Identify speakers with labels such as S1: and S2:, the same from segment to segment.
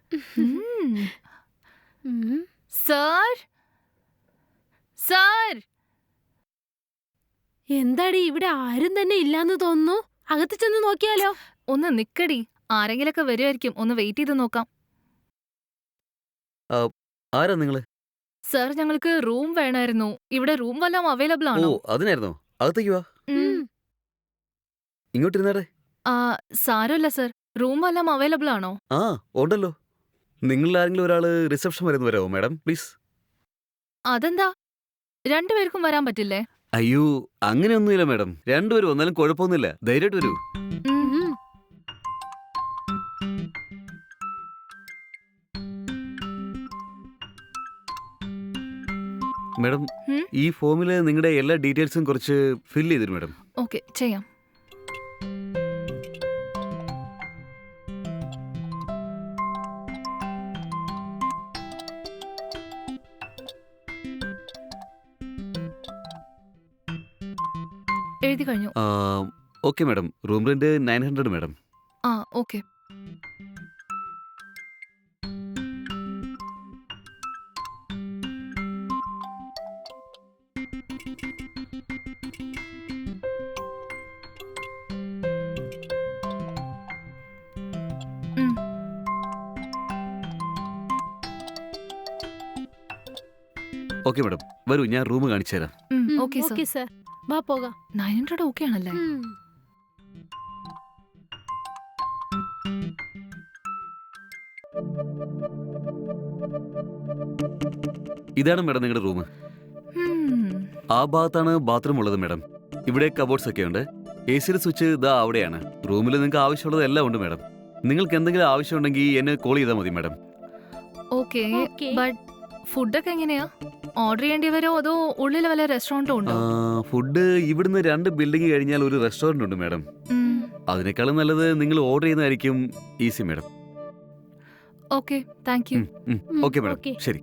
S1: Sir sir
S2: എന്താടി ഇവിടെ ആരും തന്നെ ഇല്ലാന്ന് തോന്നുന്നു. അകത്ത് ചെന്ന് നോക്കിയാലോ?
S1: ഒന്ന് നിക്കടി, ആരെങ്കിലൊക്കെ വരുമായിരിക്കും. ഒന്ന് വെയിറ്റ് ചെയ്ത് നോക്കാം.
S3: ആരാ നിങ്ങള്?
S1: സർ, ഞങ്ങൾക്ക് റൂം വേണമായിരുന്നു. ഇവിടെ റൂം വല്ലതും അവൈലബിൾ
S3: ഓ
S1: ആണോ?
S3: അതിനായിരുന്നോ? അകത്തേക്ക് വാ. ഇങ്ങോട്ടിരുന്നാടെ.
S1: സാരമില്ല സർ, റൂം വല്ലതും അവൈലബിൾ ആണോ?
S3: ആ ഉണ്ടല്ലോ. നിങ്ങളിൽ ആരെങ്കിലും ഒരാള് റിസപ്ഷൻ വരെ ഒന്ന് വരാമോ മാഡം പ്ലീസ്?
S1: അതെന്താ, രണ്ടുപേർക്കും വരാൻ പറ്റില്ലേ?
S3: അയ്യോ അങ്ങനെയൊന്നുമില്ല മാഡം, രണ്ടുപേരും വന്നാലും കുഴപ്പമൊന്നുമില്ല, ധൈര്യമായിട്ട് വരൂ. മാഡം ഈ ഫോമില് നിങ്ങളുടെ എല്ലാ ഡീറ്റെയിൽസും കുറച്ച് ഫിൽ ചെയ്തിരും മാഡം.
S1: ഓക്കെ, ചെയ്യാം. എഴുതി കഴിഞ്ഞു.
S3: Okay madam, room rent 900 madam.
S1: ആ ഓക്കെ.
S3: ഓക്കെ മാഡം, വരൂ ഞാൻ റൂം കാണിച്ചു തരാം.
S1: ഓക്കെ
S2: സർ, വാ പോകാം.
S1: 900 ഓക്കെ ആണല്ലേ?
S3: ഇതാണ് മാഡം നിങ്ങളുടെ റൂം. ആ ഭാഗത്താണ് ബാത്റൂം ഉള്ളത് മാഡം. ഇവിടെ കബോർഡ്സ് ഒക്കെ ഉണ്ട്. AC-യുടെ സ്വിച്ച് ഇതാ അവിടെയാണ്. റൂമിൽ നിങ്ങൾക്ക് ആവശ്യമുള്ളത് എല്ലാം ഉണ്ട് മാഡം. നിങ്ങൾക്ക് എന്തെങ്കിലും ആവശ്യമുണ്ടെങ്കിൽ എന്നെ കോൾ ചെയ്താൽ മതി മാഡം.
S1: ഓക്കെ, ബട്ട് ഫുഡൊക്കെ എങ്ങനെയാ? ഓർഡർ ചെയ്യേണ്ടി വരുമോ അതോ ഉള്ളിൽ വല്ല റെസ്റ്റോറന്റും ഉണ്ടോ?
S3: ഫുഡ് ഇവിടുന്ന് 2 ബിൽഡിംഗ് കഴിഞ്ഞാൽ ഒരു റെസ്റ്റോറന്റ് ഉണ്ട് മാഡം. അതിനേക്കാളും നല്ലത് നിങ്ങൾ ഓർഡർ ചെയ്യുന്നതായിരിക്കും easy madam.
S1: Okay, thank you.
S3: Okay madam, ശരി.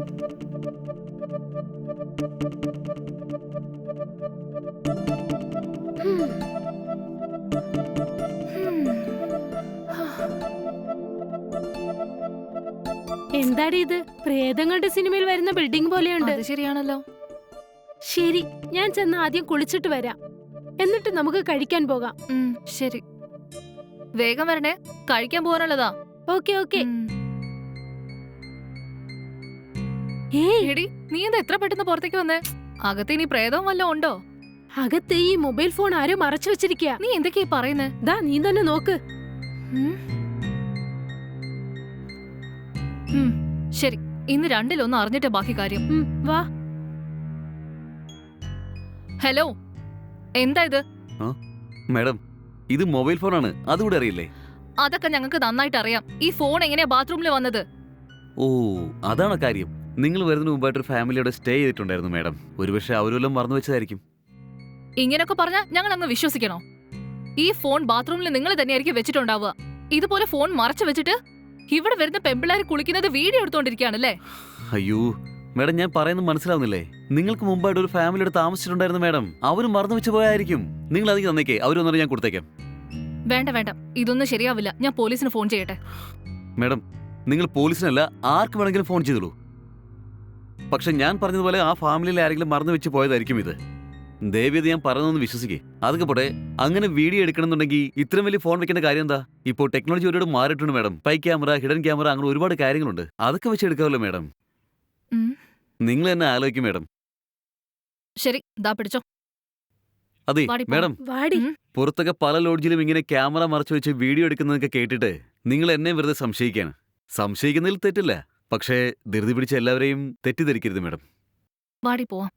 S2: എന്താടി ഇത്? പ്രേതങ്ങളുടെ സിനിമയിൽ വരുന്ന ബിൽഡിംഗ് പോലെയുണ്ട്.
S1: അത് ശരിയാണല്ലോ.
S2: ശരി, ഞാൻ ചെന്ന് ആദ്യം കുളിച്ചിട്ട് വരാം, എന്നിട്ട് നമുക്ക് കഴിക്കാൻ പോകാം.
S1: ശരി, വേഗം വരണേ, കഴിക്കാൻ പോകാനുള്ളതാ.
S2: Okay okay.
S1: എടി, നീ എന്താ എത്ര പെട്ടെന്ന് പുറത്തേക്ക് വന്നേ? അകത്ത് ഇനി പ്രേതവും വല്ലതും ഉണ്ടോ?
S2: അകത്ത് ഈ മൊബൈൽ ഫോൺ ആരോ മറച്ചു വെച്ചിരിക്കുക.
S1: നീ എന്തൊക്കെയാ പറയുന്നേ?
S2: ദാ നീ തന്നെ നോക്ക്.
S1: ശരി, ഇന്ന് രണ്ടിലൊന്നും അറിഞ്ഞിട്ട് ബാക്കി കാര്യം.
S2: വാ.
S1: ഹലോ, എന്താ ഇത്?
S3: മാഡം, ഇത് മൊബൈൽ ഫോണാണ്, അതുകൂടെ അറിയില്ലേ?
S1: അതൊക്കെ ഞങ്ങൾക്ക് നന്നായിട്ട് അറിയാം. ഈ ഫോൺ എങ്ങനെയാ ബാത്റൂമിൽ വന്നത്?
S3: ഓ അതാണ് കാര്യം. നിങ്ങൾ വരുന്നതിന് മുമ്പായിട്ട് ഒരു ഫാമിലിയോടെ സ്റ്റേ ചെയ്തിട്ടുണ്ടായിരുന്നു മാഡം. ഒരുപക്ഷെ അവരെല്ലാം മറന്നു വെച്ചതായിരിക്കും.
S1: ഇങ്ങനെയൊക്കെ പറഞ്ഞാൽ ഞങ്ങൾ അങ്ങ് വിശ്വസിക്കണോ? ഈ ഫോൺ ബാത്റൂമിൽ നിങ്ങൾ തന്നെയായിരിക്കും വെച്ചിട്ടുണ്ടാവുക. ഇതുപോലെ ഫോൺ മറച്ചു വെച്ചിട്ട് ഇവിടെ വരുന്ന പെമ്പിള്ളേർ കുളിക്കുന്നത് വീഡിയോ എടുത്തോണ്ടിരിക്കുകയാണല്ലേ?
S3: അയ്യോ മാഡം, ഞാൻ പറയുന്നത് മനസ്സിലാവുന്നില്ലേ? നിങ്ങൾക്ക് മുമ്പായിട്ട് ഒരു ഫാമിലിയോട് താമസിച്ചിട്ടുണ്ടായിരുന്നു മാഡം. അവരും മറന്നു വെച്ച് പോയായിരിക്കും. നിങ്ങൾ അധികം തന്നേക്കേ, അവരൊന്നും ഞാൻ കൊടുത്തേക്കാം.
S1: വേണ്ട വേണ്ട, ഇതൊന്നും ശരിയാവില്ല. ഞാൻ പോലീസിന് ഫോൺ ചെയ്യട്ടെ.
S3: മാഡം, നിങ്ങൾ പോലീസിനല്ല ആർക്ക് വേണമെങ്കിലും ഫോൺ ചെയ്തോളൂ. പക്ഷെ ഞാൻ പറഞ്ഞതുപോലെ ആ ഫാമിലിയിൽ ആരെങ്കിലും മറന്നു വെച്ച് പോയതായിരിക്കും ഇത്. ദയവേത് ഞാൻ പറഞ്ഞതൊന്ന് വിശ്വസിക്കേ. അതൊക്കെ പോട്ടെ, അങ്ങനെ വീഡിയോ എടുക്കണമെന്നുണ്ടെങ്കിൽ ഇത്രയും വലിയ ഫോൺ വെക്കേണ്ട കാര്യം എന്താ? ഇപ്പോൾ ടെക്നോളജി ഒരുപാട് മാറിയിട്ടുണ്ട് മാഡം. പൈ ക്യാമറ, ഹിഡൻ ക്യാമറ, അങ്ങനെ ഒരുപാട് കാര്യങ്ങളുണ്ട്. അതൊക്കെ വെച്ച് എടുക്കാമല്ലോ മാഡം. നിങ്ങൾ തന്നെ ആലോചിക്കും മാഡം.
S1: ശരി, ദാ പിടിച്ചോ.
S3: അതെ മാഡം, പുറത്തൊക്കെ പല ലോഡ്ജിലും ഇങ്ങനെ ക്യാമറ മറച്ചു വെച്ച് വീഡിയോ എടുക്കുന്നതൊക്കെ കേട്ടിട്ട് നിങ്ങൾ എന്നെ വെറുതെ സംശയിക്കാണ്. സംശയിക്കുന്നതിൽ തെറ്റില്ല, പക്ഷേ ധൃതി പിടിച്ച എല്ലാവരെയും തെറ്റിദ്ധരിക്കരുത് മാഡം.
S1: വാടി പോവാം.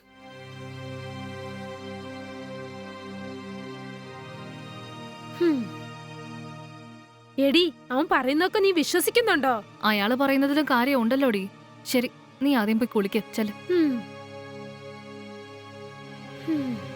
S2: എടി, അവൻ പറയുന്നൊക്കെ നീ വിശ്വസിക്കുന്നുണ്ടോ?
S1: അയാള് പറയുന്നതിലും കാര്യം ഉണ്ടല്ലോടി. ശരി, നീ ആദ്യം പോയി കുളിക്ക്. ചെല്.